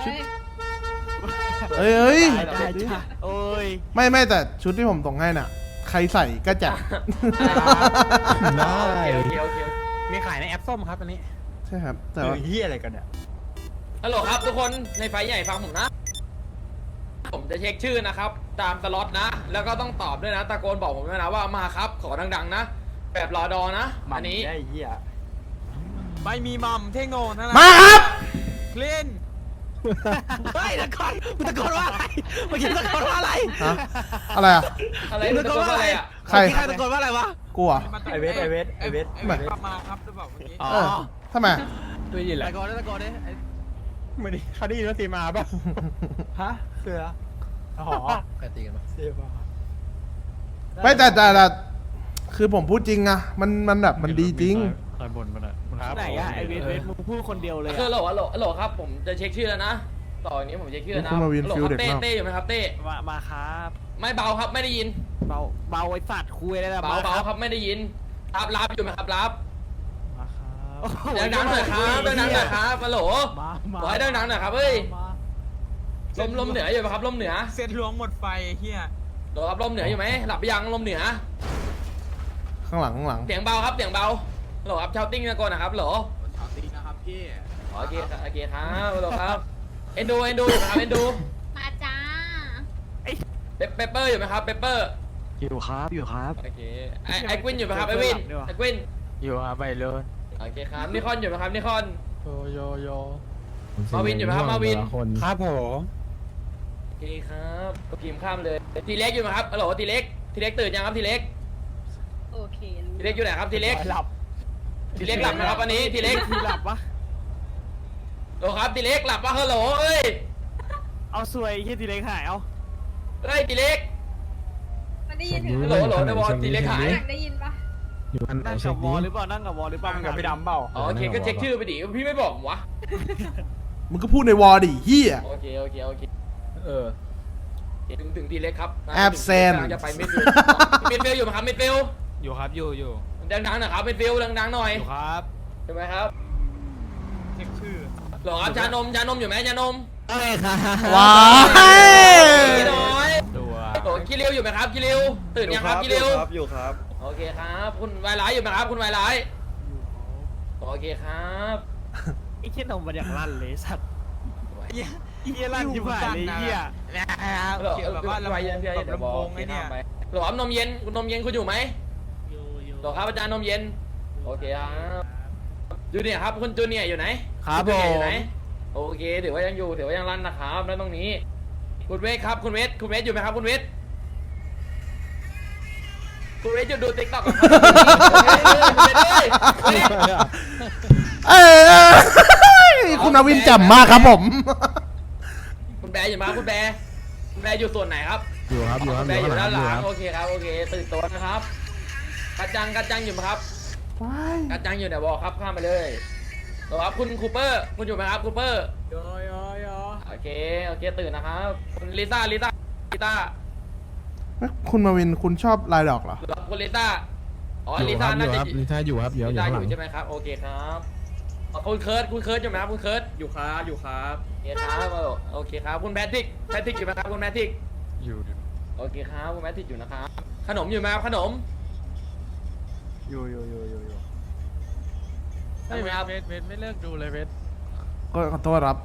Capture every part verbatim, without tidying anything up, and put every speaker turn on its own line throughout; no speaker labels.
เอ้ยเอ้ย
ได้จ้ะโอ้ย
ไม่ไม่แต่ชุดที่ผมส่งให้น่ะ ใครใส่ก็จัด
ได้
โอเคโอเค
มีขายในแอปส้มครับอันนี้
ใช่ครับ แต่
แต่
ว่า
เฮียอะไรกันเนี่ย
ฮัลโหลครับทุกคนในไฟใหญ่ฟังผมนะ ผมจะเช็คชื่อนะครับ ตามสล็อตนะ แล้วก็ต้องตอบด้วยนะตะโกนบอกผมด้วยนะว่ามาครับขอดังๆนะ แบบรอดอนะอันนี้
ได้เฮีย
ไม่มีมัมเท่งโง่นั่นแหละ
มาครับ
คลีนเฮ้ยตะโกนมึงตะโกนว่าอะไรเมื่อกี้ตะโกนว่าอะไร
ฮะอะไรอ่ะ
อะไร
มึงตะโกนว่าอะไร
อ่ะ
ใคร
เมื่อกี้ใครตะโกนว่าอะไรวะ
กลัว
ไอเวสไอเวสไอเวส
ไอเวสมาครับหรือเปล่าเมื่อกี้
เออทำไม
ตัวยินแหละ
ตะโกนได้ตะโกนได้ไอ้
ไม่ได้เขาได้ยินว่าตีมาป่ะฮะเสืออ๋อ
ใครตีกันวะ
เสือป่ะ
ไม่แต่แต่แต่คือผมพูดจริงอะมันมันแบบมันดีจริง
ใครบ่นมันอ่ะ
ไหนอะไอเวสเวสมึงพูดคนเดียวเลย
คือฮั
อะ
ลโหลฮัลโหลฮัลโหลครับผมจะเช็คชื่อแล้วนะต่ออย่างนี้ผมเช็คชื่อนะ
คุณมาวิน
ฮัลโหล
ฟิล
ครับ
เด็ก
เต้
มาก
เต้อยู่ไหมครับเต้
มามาครับ
ไม่เบาครับไม่ได้ยิน
เบาเบาไอ้สัตว์คุยได้แล้ว
เบาเบาครับไม่ได้ยินรับรับอยู่ไหมครับรับ
มาครับ
ดังๆหน่อยครับดังๆหน่อยครับฮัลโหล
มามา
ขอให้ดังๆหน่อยครับเฮ้ยลมลมเหนืออยู่ไหมครับลมเหนือ
เส้นล้วงหมดไฟเฮีย
ฮัลโหลครับลมเหนืออยู่ไหมหลับไปยังลมเหนือ
ข้างหลังข้างหลัง
เสียงเบาครับเสียงเบาฮัลโหลครับชาวติ้งตะโกนนะครับฮัลโหล
เอาตีนะครับพี่
โอเคครับโอเคครับฮัลโหลครับเอ็นดูเอ็นดูอยู่ไหมครับเอ็นดู
มาจ้า
เปเปเปอร์อยู่ไหมครับเปเปอร์
อยู่ครับอยู่ครับ
โอเคไอไอควินอยู่ไหมครับไอวินไอควิน
อยู่ครับไปเลย
โอเคครับนิคอนอยู่ไหมครับนิคอน
โยโยโย
มาวินอยู่ไหมครับมาวิน
ครับผม
โอเคครับก็พิมพ์ข้ามเลยทีเล็กอยู่ไหมครับฮัลโหลทีเล็กทีเล็กตื่นยังครับทีเล็ก
โอเครู้
ทีเล็กอยู่ไหนครับทีเล็ก
หลับ
ทีเล็กหลับไหมครับวันนี้ทีเล็ก
ทีหลับปะ
โหลครับทีเล็กหลับปะฮัลโหลเอ้ย
เอาสวยเฮียทีเล็กหายเอา
เอ้ยทีเล็ก
มันได้ยินถึง
ฮัลโหลฮัลโหลในวอลทีเล็กหาย
อยากได้ยินปะ
นั่งกับวอลหรือเปล่านั่งกับวอลหรือเปล่า
ตั้งกับพี่ดำเปล่า
อ๋อโอเคก็เช็คชื่อไปดิพี่ไม่บอกผมวะ
มึงก็พูดในวอลดิเฮีย
โอเคโอเคโอเค
เออ
ถึงถึงทีเล็กครับ
Absent
กำลังจะไปมิดฟิลมิดฟิลอยู่ไหมครับมิดฟิล
อยู่ครับอยู่อยู่
ดังๆหน่อยครับมิดฟิลดังๆหน่อย
อยู่ครับ
ใช่ไหมครับ
เช็คชื่อ
หรอครับชานมชานมอยู่ไหมชานม
เอ้ยค่ะ
ว้าย
พี่น้อย
ตัว
โอ้คิริวอยู่ไหมครับคิริวตื่นยังครับคิริว
อยู่ครับ
โอเคครับคุณวายร้ายอยู่ไหมครับคุณวายร้ายโอเคครับ
ไอ้เชี่ยนมมันอย่างลั่นเลยสัตว์เฮียเฮียลั่นชิบหายเลยเฮีย
หรอแบบว่าระบายเย็นพี่ระบงไอ้เนี่ยหรอนมเย็นคุณนมเย็นคุณอยู่ไหมหรอครับอาจารย์นมเย็นโอเคครับจูเนียร์ครับคุณจูเนียร์อยู่ไหน
ครับ
จู
ผ
เนียร์อยู่
ม
ไหนโอเคถือว่ายังอยู่ถือว่ายังรันนะครับแล้วตรงนี้คุณเวทครับคุณเวทคุณเวทอยู่ไหมครับคุณเวทคุณเวทจะดูติ๊กต็อกกับคุณเวทเลย
เอ้ยคุณอาวินแจ่มมากครับผม
คุณแบร์อยู่ไหมครับคุณแบร์คุณแบร์อยู่ส่วนไหนครับ
อยู่ครับอยู่ค
คุ
รับ
ณแบร์อยู่ด้านหลั
ค
ง
รับ
โอเคครับโอเคตื่นตัวนะครับกระจังกระจังอยู่ไหมครับ
ว้าย
กระจังอยู่ไหนบอกครับข้ามไปเลยหรอครับคุณคูเปอร์คุณอยู่ไหมครับคูเปอร์
โยโยโย
โอเคโอเคตื่นนะครับคุณลิซ่าลิซ่าลิซ่า
เอ้ยคุณมาวินคุณชอบลายดอกเหรอ
หรอคุณลิซ่าอ๋อ
อยู่
ลิ
ค
ซ่า
รับอ
น่า
ยู่
จะ
ครับลิซ่าอยู่ครับเดี๋ยว
ลิ
อยู่
ซ่า
ข้าง
อ
หลัง
ยู่ใช่ไหมครับโอเคครับอ๋อคุณเคิร์ดคุณเคิร์ดอยู่ไหมครับคุณเคิร์ด
อยู่ครับอยู่ครับ
โอเคครับโอเคครับคุณแพทริกแพทริกอยู่ไหมครับคุณแพทริก
อยู่
โอเคครับคุณแพทริกอยู่นะครับขนมอยู่ไหมครับขนม
อยู่อยู่อยู่อยู่อยู่
ใช่ไหมครับ
เวทเวทไม่เลิกดูเลยเวท
ก็ขอโทษครับ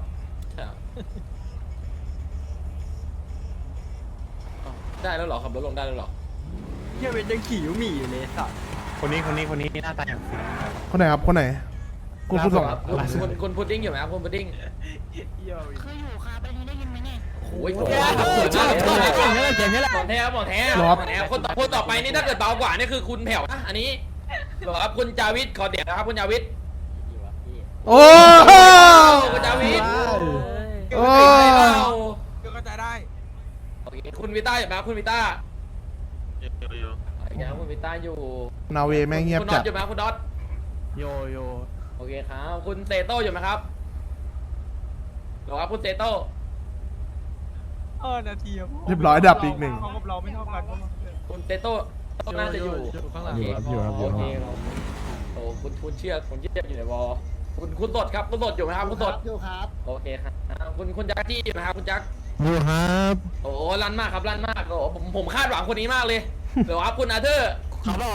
ได้แล้วเหรอขับรถลงได้แล้วเหรอ
เฮียเวทยังขี่ยูมี่อยู่เลยสัตว์คนนี้คนนี้คนนี้หน้าตาอย่างฟิน
คนไหนครับคนไหน คุณคุณส่ง
ครับคุณคุณคุณพุดดิ้งอยู่ไหมครับคุณพุดดิ้ง
คืออยู่ค่ะไปนี้ได้ยินไหมเนี่ย
โอ้ยโห
เจ๋งนี่แหละเจ๋งนี่แหละ
หมอนแท้ครับหมอนแท้หมอนแท้คนต่อคนต่อไปนี่ถ้าเกิดเบากว่านี่คือคุณแผ่วนะอันนี้เหรอครับคุณจาวิทขอเดี๋ยวนะครับคุณจาวิท
โอ้โห
คุณจาวิท
โอ้
ก็เข้าใจได้
โอเคคุณวิต้าอยู่ไหมครับคุณวิต้าโอเคครับคุณวิต้าอยู่
นาเวแม่งเงียบ
คุณน็อ
จั
ต
ด
อยู่ไหมครับคุณน็อต
โยโย
โอเคครับคุณเซโต้อยู่ไหมครับเหรอครับคุณเซโต้
เออนาทีอะ
เรียบร้อยดับอีกหนึ่ง
เขากับเราไม่เท่ากัน
คุณเซโต้น่าจะอยู่
ข้างหลังอยู่ครับอยู่ครับอ
โอยู่ เค
ครับ
ครับโอ้คุณคุณเชื่อคุณเชื่ออยู่ในวอลคุณคุณสดครับคุณสดอยู่ไหมครับคุณสด
อยู่ครับ
โอเคครับคุณคุณจักรจี้อยู่ไหมครับคุณจักร
อยู่ครับ
โอ้ลั่นมากครับลั่นมากโอ้ผมผมคาดหวังคนนี้มากเลยเดี๋ยวครับคุณอาเธอร์
ครับผม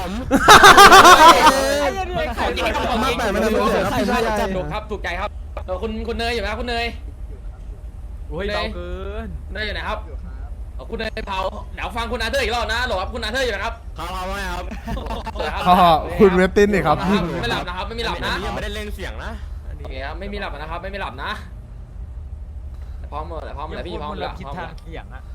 ของจริงครับของจริง
มากแต่ไม่ได้รู้เลยครับพี่ชายใหญ่
ถูกครับถูกใจครับเออคุณคุณเนยอยู่ไหมครับคุณเนย
โอ้ยเบาเกิน
เนยอยู่ไหนครับเออคุณเนยเผาเดี๋ยวฟังคุณอาเธอร์อีกรอบนะหรอครับคุณอาเธอร์อยู่ไหมครับ
ครับครับไม่ครับ
อ๋อคุณเวสตินนี่ครับ
ไม่หลับนะครับไม่มีหลับนะ
ยังไม่ได้เล่นเสียงนะ
โอเคครับไม่มีหลับนะครับไม่มีหลับนะพร้อมหมดพร้อมหมดพี่พร้อมหมด
คิด
พร้อมห
ทาม ง
ด
เสียงอะ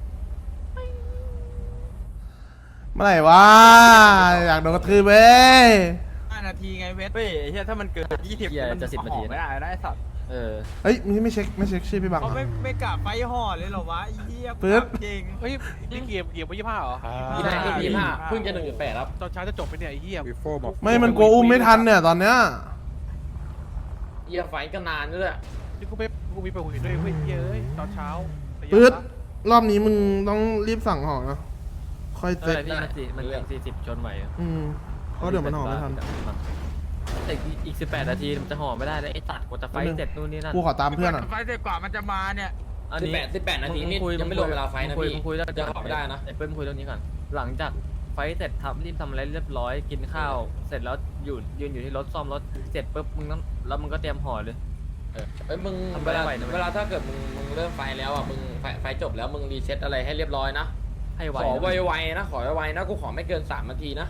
เมื่อไหร่วะอยากโดนกระทืบเว้ย
ห้านาทีไงเวทเฮ้ยไอ้เหี้ยถ้ามันเกินยี่สิบมันจะสิบนาทีไม่ได้นะไอ้สัตว์เออ
เฮ้ยนี่ไม่เช็คไม่เช็คชื่อพี่บังเหร
เขา
อ
ไม่ไม่กะไฟห่อเลยเหรอวะไอ้เหี้ย
ปึ๊บ
จริง
เฮ้ยนี่เกมเกมไปยี่ห้าเหรอ
ยี่ห้ายี่ห้าเพิ่งจะหนึ่งจุดแปดครับ
ตอนเช้าจะจบไปเนี่ยไอ้เหี้ย
ไม่มันกลัวอุ้มไม่ทันเนี่ยตอนเนี้ย
เยี่ยไฟก็นานด้วย
นี่กูไปกูมีไปหุ่นด้วยเฮ้ยเย้ยตอนเช้า
ปื๊ดรอบนี้มึงต้องรีบสั่งห่อนะค่อยเสร็จ
พี่มันสี่มันเป็นสี่สิบชนไหว
อืมเพราะเดี๋ยวมันห่อไม่ทัน
แต่อีกสิบแปดนาทีมันจะห่อไม่ได้แล้วไอ้ตัดกว่าจะไฟเสร็จนู่นนี่นั่น
กูขอตามเพื่อนอ่ะ
ไฟเสร็จกว่ามันจะมาเนี่ย
อัน
สิบ
นี้
แปดสิบแปดนาทีนี่ยังไม่รวมเวลาไฟนะ
คุย
พี่
คุยแล้ว
จะขอไม่ได้นะ
ไอ้เปิ้ลคุยเรื่องนี้ก่อนหลังจากไฟเสร็จทำรีบทำอะไรเรียบร้อยกินข้าวเสร็จแล้วอยู่ยืนอยู่ที่รถซ่อมรถเสร็จปุ๊บมึงต้องแล้วมึงก็เตรียมห่อเลย
เอ้ยมึง
ทำไป
เว
ได้
ลา
ไหวนะ
เวลาถ้าเกิดมึงมึงเริ่มไฟแล้วอ่ะมึงไฟไฟจบแล้วมึงรีเซ็ตอะไรให้เรียบร้อยนะ
ให้ไว
ขอ
นะ
ไวๆนะขอไวๆนะกูขอไม่เกินสามนาทีนะ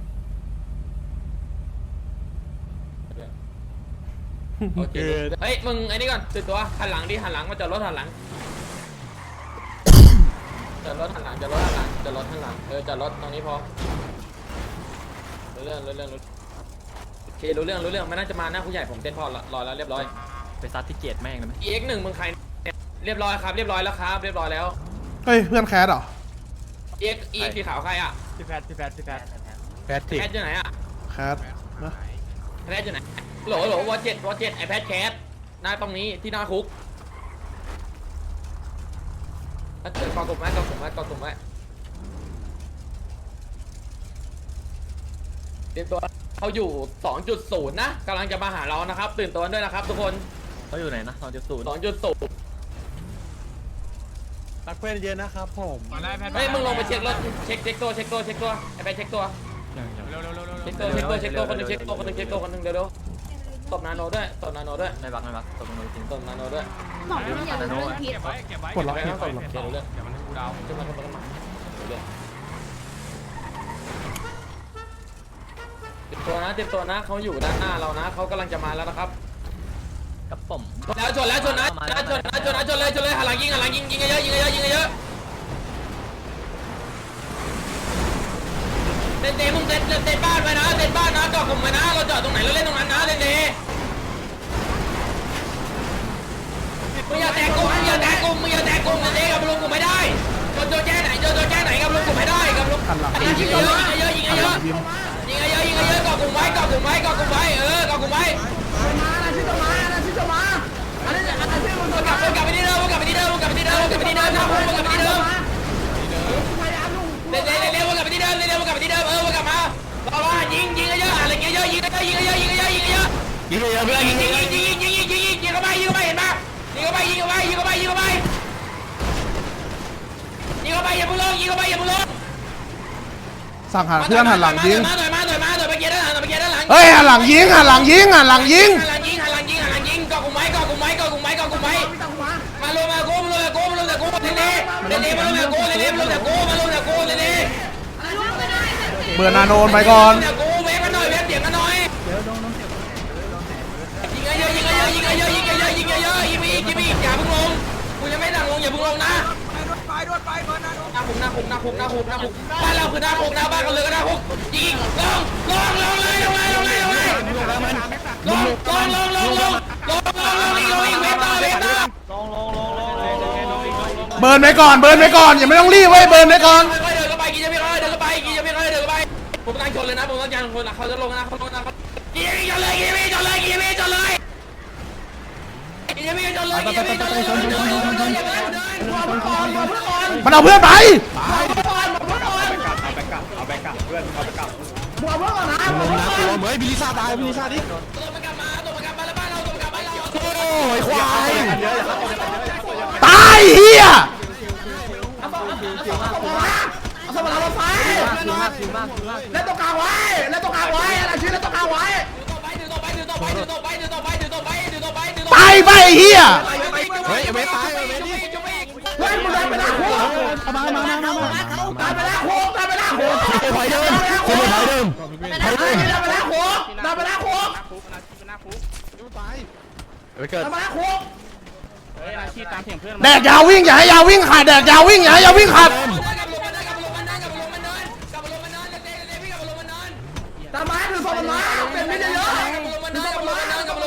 โอเคเฮ้ยมึงไอ้นี่ก่อนตื่นตัวหันหลังดิหันหลังมาจอดรถหันหลังจอดรถหันหลังจอดรถหันหลังจอดรถหันหลังเออจอดรถตรงนี้พอรู้เรื่องรู้เรื่องรู้โอเครู้เรื่องรู้เรื่องไม่น่าจะมาหน้าผู้ใหญ่ผมเซ็ตพอรอแล้วเรียบร้อย
ไปซัดที่เกตแม่งเลยไหม
เอ็กหนึ่งมึงใครเนี่ยเรียบร้อยครับเรียบร้อยแล้วครับเรียบร้อยแล้ว
เฮ้ยเพื่อนแคสเหรอ
เอ็กอีสีขาวใครอ่ะ
พี่แพทพี่แพทพี่แพท
แพทริก
แพทอยู่ไหนอ่ะ
แคสนะ
แพทอยู่ไหนโหลโหลวอเจ็ดวอเจ็ดไอแพทแคสหน้าตรงนี้ที่หน้าคุกถ้าเกิดกองกลุ่มไว้กองกลุ่มไว้กองกลุ่มไว้เตรียมตัวเขาอยู่ สองจุดศูนย์ นะกำลังจะมาหาเรานะครับตื่นตัวด้วยนะครับทุกคน
เขาอยู่ไหนนะสองจุดศูนย์
สองจุดศูนย์
รักเพื่อนเยอะนะครับผม
มาได้แพท
เฮ้ยมึงลงไปเช็ครถเช็คเช็คตัวเช็คตัวเช็คตัวไอแพทเช็คตัว
เร็วเร็วเร็วเร็ว
เช็คตัวเช็คตัวเช็คตัวคนหนึงเช็คตัวคนหนึงเช็คตัวคนหนึงเร็วๆตบนาโนด้วยตบนาโนด้วย
ไม่บักไม่บักตกลงจริง
ตบนาโนด้วย
บอกว่าอย่าเรื่องพิษ
เก็บไว้เก็บไว้
ปลดล็อก
ไม่
ให้
ต้อง
ป
ต
ล
บ
ดล็อก
เดี๋ยวเรื่อง
เดี๋ยวมันกูดาว
ขึ้นมาขึ้นมาขึ้นมาเรื่องเตรียมตัวนะเตรียมตัวนะเขาอยู่ด้านหน้าเรานะเขากำลังจะมาแล้วนะครับ
กับผม
แล้วชนแล้วชนนะแล้วชนนะชนนะชนเลยชนเลยหันหลังยิงหันหลังยิงยิงเยอะยิงเยอะยิงเยอะเต้นเต้มึงเต้นเต้นบ้านไว้นะเต้นบ้านนะจอดกลุ่มไว้นะเราจอดตรงไหนเราเล่นตรงนั้นนะเต้นเต้มึงอย่าแตกกลุ่มมึงอย่าแตกกลุ่มมึงอย่าแตกกลุ่มเต้นเต้กับลุงกูไม่ได้โจโจแจ้ไหนโจโจแจ้ไหนกับลุงกูไม่ได้กับลุง
หันหลัง
ยิงเยอะยิงเยอะยิง
หัน
เย
หลั
อะ
งพิมพ์
ยิงเยอะยิงเยอะเกาะกลุ่มไว้เกาะกลุ่มไว้เกาะกลุ่มไว้เออเกาะกลุ่มไว้วนกลับวนกลับไปที่เดิมวนกลับไปที่เดิมวนกลับไปที่เดิมวนกลับไปที่เดิมนะวนกลับไปที่เดิมเร็วเร็วเร็ววนกลับไปที่เดิมเร็ววนกลับไปที่เดิมเออวนกลับมารอรอยิงยิงเยอะอะไรเงี้ยเยอะยิงเยอะยิงเยอะยิงเยอะยิงเยอะ
ยิงเลยเพื่อน
ยิ
ยิ
ง
ง
ยิ
เล
ง
ย
ยิงยิงยิงยิงยิงยิงเข้าไปยิงเข้าไปเห็นปะยิงเข้าไปยิงเข้าไปยิงเข้าไปยิงเข้าไปยิงเข้าไปอย่าพึ่งลงยิงเข้าไปอย่าพึ่งลง
สั่งหาเพื่อนหันหลังยิง
มาหน่อยมาหน่อยมาหน่อยไปเกียร์ด้านหลังไปเกียร์ด้านหลัง
เฮ้ยหันหลังยิงหันหลังยิงหันหลังยิง
หันหลังยิงหันหลังยิงหันหลังยิงเกาะกลุ่มไว้เกาะกลุ่มไว้เกาะกลุ่มไว้เกาะกลุ่มไว้มาลงมาโก้มาลงมาโก้มาลงแต่โก้เล่นเล่เล่นเล่มาลงแต่โก้เล่นเล่มาลงแต่โก้มาลงแต่โก้เล่นเล่
เบอร์นาโนนไปก่อน
แต่โก้เวฟกันหน่อยเวฟเสียงกันหน่อยยิงเยอะยิงเยอะยิงเยอะยิงเยอะยิงเยอะยิงไปอีกยิงไปอีกอย่าเพิ่งลงกูยังไม่สั่งลงอย่าเพิ่งลงนะ
ไปด้วยไปเบอร์นาโน
หน้าคุกหน้าคุกหน้าคุกหน้าคุกหน้าคุกบ้านเราคือหน้าคุกหน้าบ้านกันเลยก็หน้าคุกยิงลงลงลงเลยลงเลยลงเลยลงเลยลงลงลงลงลงลงลงลงอีกลงอีกเวฟต่อเวฟต่อ
เบิร์นไปก่อนเบิร์นไปก่อนอย่าไม่ต้องรีบเว้ยเบิร์นไปก่อน
ค่อยๆเดินเข้าไปกินจะไม่ค่อยเดินเข้าไปกินจะไม่ค่อยเดินเข้าไปผมตั้งชนเลยนะผมตั้งใจชนนะเขาจะลงนะเขาลงนะกินจะไม่จนเลยกินจะไม่จนเลยกินจะไม่จนเลยกินจะไม่จนเลยกินจะไม่จนเลยเดินเดินเดินเดินเดินเดิน
มันเอาเพื่อนไป
ลงนะกูลงเฮ้ยบิลิซ่าตายบิลิซ่าดิ
ตัวมันกลับมาตัวมันกลับมาแล้ว
ยควาย
ตายเฮีย
เอาสมรรถไฟเล่นตรงกลางไว้เล่นตรงกลางไว้อะไรชื่อเล่นตรงกลางไว้
ตายไปเฮีย
เฮ้ยเวทตายเวทนี่
เฮ้ยมึงเดินไปแล้วคุกมามามามาตายไปแล้วคุกตายไปแล้วคุก
ถอยเดิมถอยเดิม
ตายไปแล้วคุกตายไปแล้วคุก
ไปเกิด
ตายไปแล้วคุก
แดกยาววิ่งอย่าให้ยาววิ่งขาดแดกยาววิ่งอย่าให้ยาววิ่งขาด
ตามไม้ถือศพมันมาเป็นไม่ได้เยอะถือศพมันมา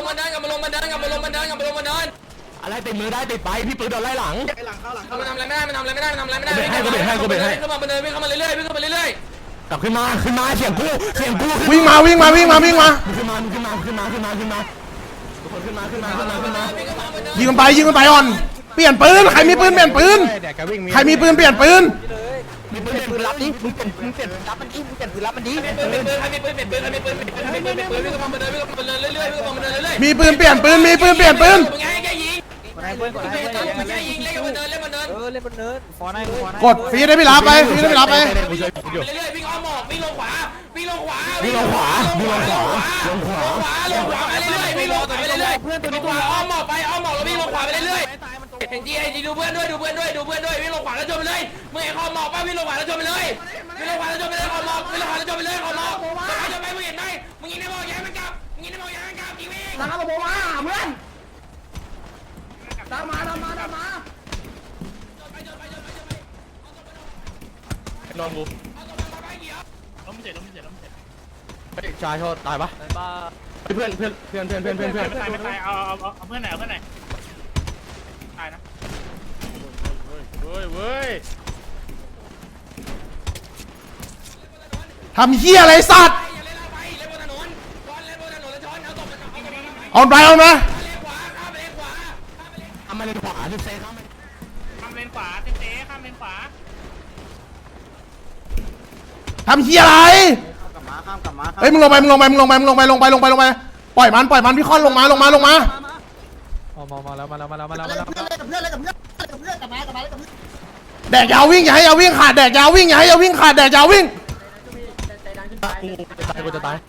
อะไรติดมือได้ติดไปพี่ปืนโดนไล่หลัง
มันทำอะไรไม่ได้มันทำอะไรไม่ได้มันทำอะไรไม่ได้ขึ้นมาบนเนินวิ่งเข้ามาเรื่อยๆวิ่งเข้ามาเรื่อย
กลับขึ้นมาขึ้นมาเสียงกูเสียงกู
วิ่งมาวิ่งมาวิ่งมาวิ่งมา
ขึ้นมาขึ้นมาขึ้นมาขึ้นมาขึ้นมาทุกคนขึ้นมาขึ้นมาขึ้นมาขึ้นมา
ยิงมันไปยิงมันไปอ่อนเปลี่ยนปืนใครมีปืนเปลี่ยนปืนใครมีปืนเปลี่ยนปืน
มีปืนปืนรับดิมึงเปลี่ยนมึงเปลี่ยนรับมันดิมึงเปลี่ยนปืนรับมันดิ
ๆเป็นปืนเป็นปืนใครมีปืนเป็นปืนใครมีปืนเป็นปืนใครมีปืนเป็นปืนวิ่งเข้ามาบนเนินวิ่งเข้ามาบนเนินเรื่อยๆวิ่งเข้ามาบนเนินเรื่อยๆ
มีปืนเปลี่ยนปืนมีปืนเปลี่ยนปืน
มึงไงแกยิงมึงแกยิงเล่นบนเนินเล่นบนเนิน
เออเล่นบนเนินฟอนให้ฟอนให้
กดฟรีได้พี่รับไปฟรีได้พี่รับไป
กูช่วยกูอยู่
เรื่อยๆวิ่งอ้อมหมอกวิ่งลงขวาวิ่งลงขวา
วิ่งลงขวาวิ่งลงขวาลงขวา
ขวาลงขวาไปเรื่อยๆวิ่งลงไปเรื่อยๆเพื่อนตัวนี้ตัวอ้อมหมอกไปอ้อมหมอกแล้ววิ่งลงขวาไปเรื่อยๆเห็นจีไอจีดูเพื่อนด้วยดูเพื่อนด้วยดูเพื่อนด้วยวิ่งลงขวาแล้วจมไปเลยมึงเห็นขอบหมอกป่ะวิ่งลงขวาแล้วจมไปเลยวิ่งลงขวาแล้วจมไปเลยขอบหมอกวิ่งลงขวาแล้วจมไปเลยขอบหมอกจมไปจมไปมึงเห็นไหมมึงยิงในหมอกย้ายมันกลับมึงยิงในหมอกย้ายมันกลับยิงวิ่ง
ตามมาบอกว่าเพื่อนตามมาตามมาตามมา
ลองกูชายโทษตายปะ
บ้า
เพื่อนเพื่อนเพื่อนเพื่อนเพื่อนเพื่อนเพื่อน
ไม่ตายไม่ตายเอาเอาเอาเพื่อนไหนเอาเพื่อนไหนตายนะเว้ยเว้ย
ทำเฮียอะไรสัตว์
อย่าเล่นไปเล่นบนถนนก่อนเล่นบนถนนแล้วช้อนเอาตบมันเอาตบมัน
เอาไปเอานะ
เลนขวาข้ามไปเลนขวาข้ามไปเลน
ทำมาเลนขวาดิเซ่ครับ
ข้ามเลนขวาเต้เต้ข้ามเลนขวา
ทำเฮียอะไรเฮ้ยมึงลงไปมึงลงไปมึงลงไปมึงลงไปลงไปลงไปลงไปปล่อยมันปล่อยมันพี่ค่อนลงมาลงมาลงมา
มามาแล้วมาแล้วมาแล้วมาแล้วมา
เล่น
แล้ว
กับเพื่อนเล่นกับเพื่อนเล่นกับเพื่อนเล่นกับเพื่อนกลับมากลับมาเล่นกับเพื่อน
แดกยาววิ่งอย่าให้ยาววิ่งขาดแดกยาววิ่งอย่าให้ยาววิ่งขาดแดกยาววิ่ง
กูจะตายกูจะตาย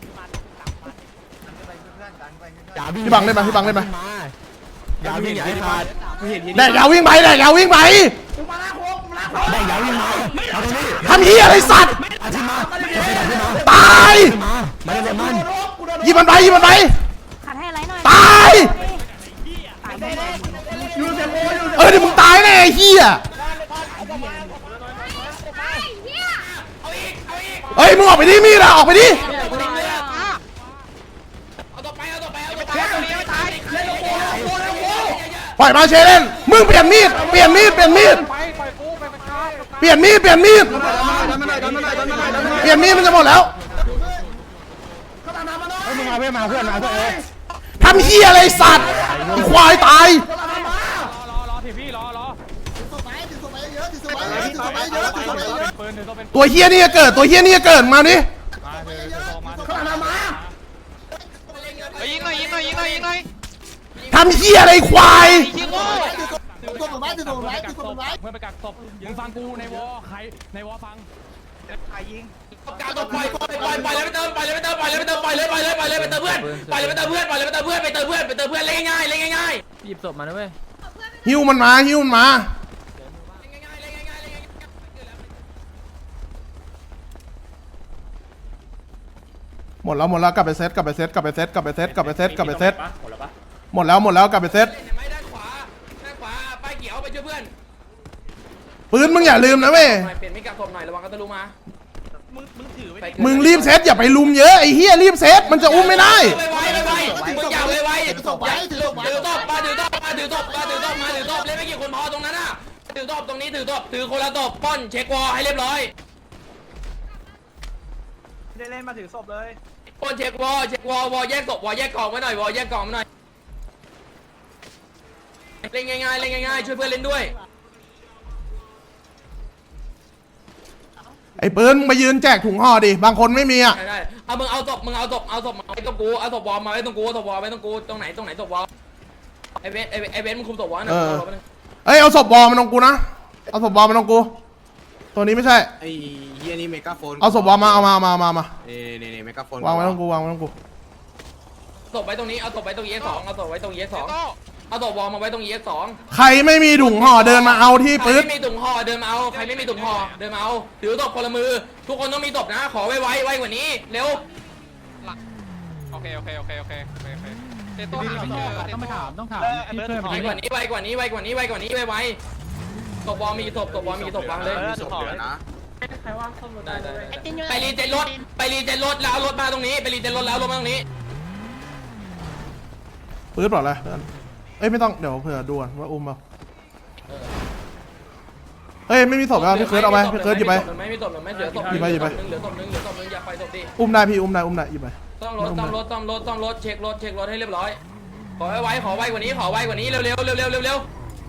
อย่าวิ่ง
พี่บังเล่นมาพี่บังเล่นมา
อย่าวิ่งอย่าให้ขาด
แดกยาววิ่งไปแดกยาววิ่งไป
กูมาล้างโค้งกูมาล้างโค้ง
ได้อย่าวิ่งมาเอาตรงนี้
ทำเฮียอะไรสัตว์
อาทิตย์มา
ตาย
มามาเล่นมัน
ยิงมันไปยิงมันไป
ขัดให้อะไรหน่อย
ตาย
ยูเซโมยูเซ
เออเดี๋ยวมึงตายแน่ไอ้เฮีย
เอาอีกเอาอีก
เฮ้ยมึงออกไปดิมีดอะออกไปดิ
เอาต่อไปเอาต่อไปเอาต่อไป
เล่นกับตายเล่นกับโค้งเล่นกับโค้งเล่นกับโค้ง
ปล่อยมาเชเล่นมึงเปลี่ยนมีดเปลี่ยนมีดเปลี่ยนมีดเปลี่ยนมีดเปลี่ยนมีดเปลี่ยนมีดมันจะหมดแล้ว
เข้าตามมาหน่อย
มึงมาเพื่อนมาเพื่อนมาเพื่อนเออ
ทำเฮียอะไรสัตว์ไอ้ควายตาย
เข้าตามมาร
อรอทีพี่รอรอ
ถือศพไปถือศพไปเยอะถือศพไปเยอะถือศพไปเยอะถือศพไปเยอะ
ปืนหรือต้องเป็น
ตัวเฮียนี่จะเกิดตัวเฮียนี่จะเกิดมาดิ
เข้าตามมา
ยิงหน่อยยิงหน่อยยิงหน่อยยิงหน่อย
ทำเฮียอะไรควาย
ยิงโง่
ถือศพไว้ถือศพไว้ถือศพไว้
เพื่อนไปกักศพมึงฟังกูในวอใครในวอฟังใครยิง
กาตัวปล่อยปล่อยปล่อยปล่อยเลยไปเติมปล่อยเลยไปเติมปล่อยเลยไปเติมปล่อยเลยปล่อยเลยปล่อยเลยไปเติมเพื่อนปล่อยเลยไปเติมเพื่อนปล่อยเลยไปเติมเพื่อนไปเติมเพื่อนไปเติมเพื่อนเล่นง่ายเล่นง่าย
หยิบศพมานะเว้ย
หิวมันมาหิวมันมา หมดแล้วหมดแล้วกลับไปเซตกลับไปเซตกลับไปเซตกลับไปเซตกลับไปเซตกลับไปเซตหมดแล้วหมดแล้วกลับไปเซต
เห็นไหมด้านขวาด้านขวาป้ายเขียวไปช่วยเพื่อน
ปืนมึงอย่าลืมนะเว้ย
เปลี่ยนไม่กักศพหน่อยระวังกันตะลุมา
มึงมึงถือไว้
มึงรีบเซตอย่าไปลุมเยอะไอ้เฮียรีบเซตมันจะอุ้มไม่ได้
ไวไวไวมึงอย่าไวไวถือศพถือศพถือศพมาถือศพมาถือศพมาถือศพมาถือศพเล่นไม่กี่คนพอตรงนั้นน่ะถือศพตรงนี้ถือศพถือคนละศพป้อนเช็ควอลให้เรียบร้อย
ได้เล่นมาถือศพเลย
ป้อนเช็ควอลเช็ควอลวอลแยกศพวอลแยกกล่องไว้หน่อยวอลแยกกล่องไว้หน่อยเล่นง่ายๆเล่นง่ายๆช่วยเพื่อนเล่นด้วย
ไอ้ปืนมึงมายืนแจกถุงห่อดิบางคนไม่มีอ่ะ
ได้ได้เอามึงเอาศพมึงเอาศพเอาศพมาไว้ตรงกูเอาศพวอลมาไว้ตรงกูศพวอลไว้ตรงกูตรงไหนตรงไหนศพวอลไอเวสไอเวสไอเวสมึงคุมศพวะ
เออเอ้ยเอาศพบอลมันตรงกูนะเอาศพบอลมันตรงกูตัวนี้ไม่ใช่
ไอ้เฮียนี่เมกาโฟน
เอาศพบอลมาเอามามามามา
เน่เน่เน่เมกาโฟน
วางไว้ตรงกูวางไว้ตรงกู
ศพไว้ตรงนี้เอาศพไว้ตรงเอสองเอาศพไว้ตรงเอสองเอาศพวอลมาไว้ตรงเอสอง
ใครไม่มีถุงห่อเดินมาเอาที่
ใคร
ปื๊ด
ไม่มีถุงห่อเดินมาเอาใครไม่มีถุงห่อเดินมาเอาถือศพคนละมือ ทุกคนต้องมีศพนะขอไวไวไวกว่านี้เร็ว
โอเคโอเคโอเคโอเคโอเคโอเคเตโต้หาไม่เจอต้องมาถามต้องถาม
ไวกว่านี้ไวกว่านี้ไวกว่านี้ไวกว่านี้ไวไวศพวอลมีศพศพวอลมีศพวางเลย
มีศพเหลือนะ
ได้ได้ไปรีเจนรถไปรีเจนรถแล้วเอารถมาตรงนี้ไปรีเจนรถแล้วเอารถมาตรงนี้
ปื๊ดปลอดเลยเพื่อนเอ้ยไม่ต้องเดี๋ยวเผื่อดูก่อนว่าอุ้มเปล่าเฮ้ยไม่มีศพแล้วพี่เคิร์ดเอาไปพี่เคิร์ดหยิบไป
ไม่มีศพไม่เหลือศพ
หยิบไปหยิบไป
เหลือศพนึงเหลือศพนึงอย่าไปศพดิ
อุ้มได้พี่อุ้มได้อุ้มได้หยิบไป
ต้องรถต้องรถต้องรถต้องรถเช็ครถเช็ครถให้เรียบร้อยขอไว้ไว้ขอไวกว่านี้ขอไวกว่านี้เร็วเร็วเร็วเร็วเร็วเร็ว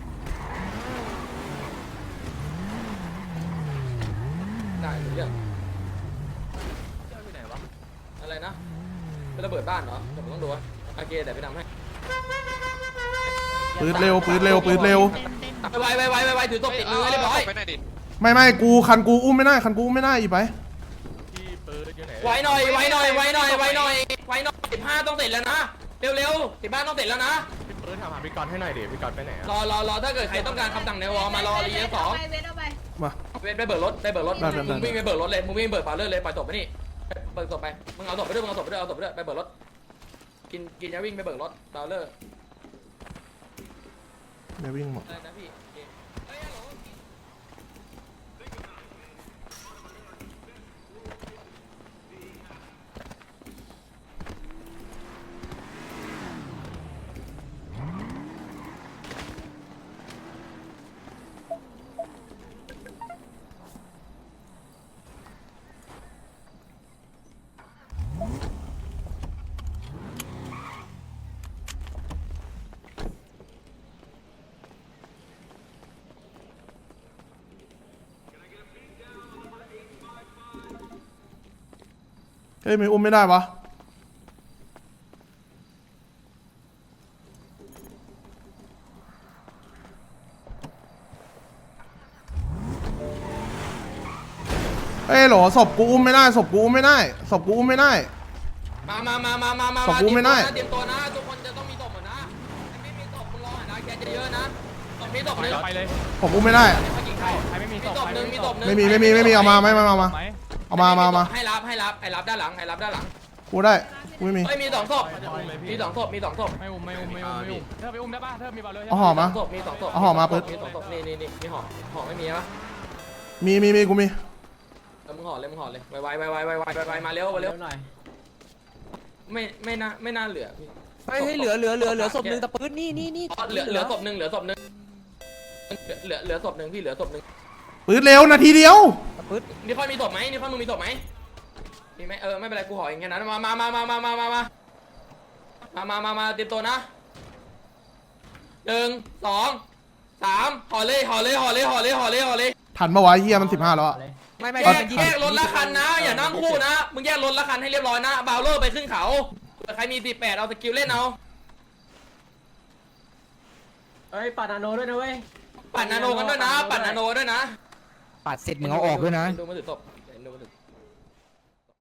ได้เรื่องอะไรนะเป็นระเบิดบ้านเหรอเดี๋ยวผมต้องดูโอเคแต่ไปทำให้
ปื๊ดเร็วปื๊ดเร็วปื๊ดเร็ว
ไวไวไวไวไวถือศพติดมือให้เรียบร้อย
ไปไหนดิ
ไม่ไม่กูคันกูอุ้มไม่ได้คันกูอุ้มไม่ได้หยิบไป
ไวหน่อยไวหน่อยไวหน่อยไวหน่อยไวหน่อยสิบห้าต้องเสร็จแล้วนะเร็วเร็วสิบห้าต้องเสร็จแล้วนะ
ปืนถามหาพี่กรณ์ให้หน่อยดิพี่กรณ์ไปไหนอะ
รอรอรอถ้าเกิดใครต้องการคำสั่งในวอลมารอรีเอสอง
เวทเอาไป
มา
เว้นไปเบิกรถไปเบิกรถ
ได้ได้ได้
มึงวิ่งไปเบิกรถเลยมึงวิ่งเบิกปาเลื่อยเลยปล่อยศพไปนี่เบิกศพไปมึงเอาศพไปด้วยมึงเอาศพไปด้วยเอาศพไปด้วยไปเบิกรถกินกินยาวิ่งไปเบิกรถปาเลื่อย
เดี๋ยววิ่งหมด
อะไรนะพี่โอเคเฮ้ยฮัลโหล
เฮ้ยไม่อุ้มไม่ได้วะเฮ้ยโหลศพกูอุ้มไม่ได้ศพกูอุ้มไม่ได้ศพกูอุ้มไม่ได้
มามามามามามา
ศพกูไม่ได้
เตรียมตัวนะทุกคนจะต้องมีศพหมดนะไม่มีศพคุณรอหน่อยนะแกจะเยอะนะศพมีศพหนึ่ง
ไปเลย
ผมอุ้มไม่ได้
ใครไม่มี
มีศพหนึ่งมีศพหนึ่ง
ไม่มีไม่มีไม่มีเอามาไม่ไม่เอามาเอามามามา
ให้รับให้รับให้รับด้านหลังให้รับด้านหลัง
กูได้กูไม่มี
เฮ้ยมีสองศพมีสองศพมีสองศพ
ไม่อุ้มไม่อุ้มไม่อุ้มไม่อุ้มเธอไปอุ้มได้ป่ะเธอมีบอลเลย
เอาห่อมา
ศพมีสองศพ
เอาห่อมา
ศ
เปิ
พ
ด
มีสองศพนี่นี่นี่มีห่อห่อไม่มีปะ
มีมีมีกูมี
แล้วมึงห่อเลยมึงห่อเลยไวไวไวไวไวไวไวไวมาเร็วมาเร็วหน่อยไม่ไม่น่าไม่น่าเหลือพี่
ไม่ให้เหลือเหลือเหลือเหลือศพหนึ่งแต่ปืนนี่นี่นี่
อ๋อเหลือเหลือศพหนึ่งเหลือศพหนึ่งเหลือเหลือศพหนึ่งพี่เหลือศพหนึ่ง
ปืดเร็วนาทีเดียว
ปืน
นี่ค่อยมีศพไหมนี่ค่อยมึงมีศพไหมมีไหมเออไม่เป็นไรกูห่อเองแค่นั้นมามามามามามามามามามามามาเตรียมตัวนะหนึ่งสองสามห่อเลยห่อเลยห่อเลยห่อเลยห่อเลยห่อเลย
ทันปะวะเฮียมันสิบห้าแล้วอะ
ไม่ไม่
แยกแยกรถละคันนะอย่านั่งคู่นะมึงแยกรถละคันให้เรียบร้อยนะบาวเลอร์ไปขึ้นเขาใครมีสิบแปดเอาสกิลเล่นเอา
เฮ้ยปัดนาโนด้วยนะเว้ย
ปั่นนาโนกันด้วยนะปั่นนาโนด้วยนะ
ปัดเสร็จมึงเอาออกด้วยนะ
ดูมาถือศพ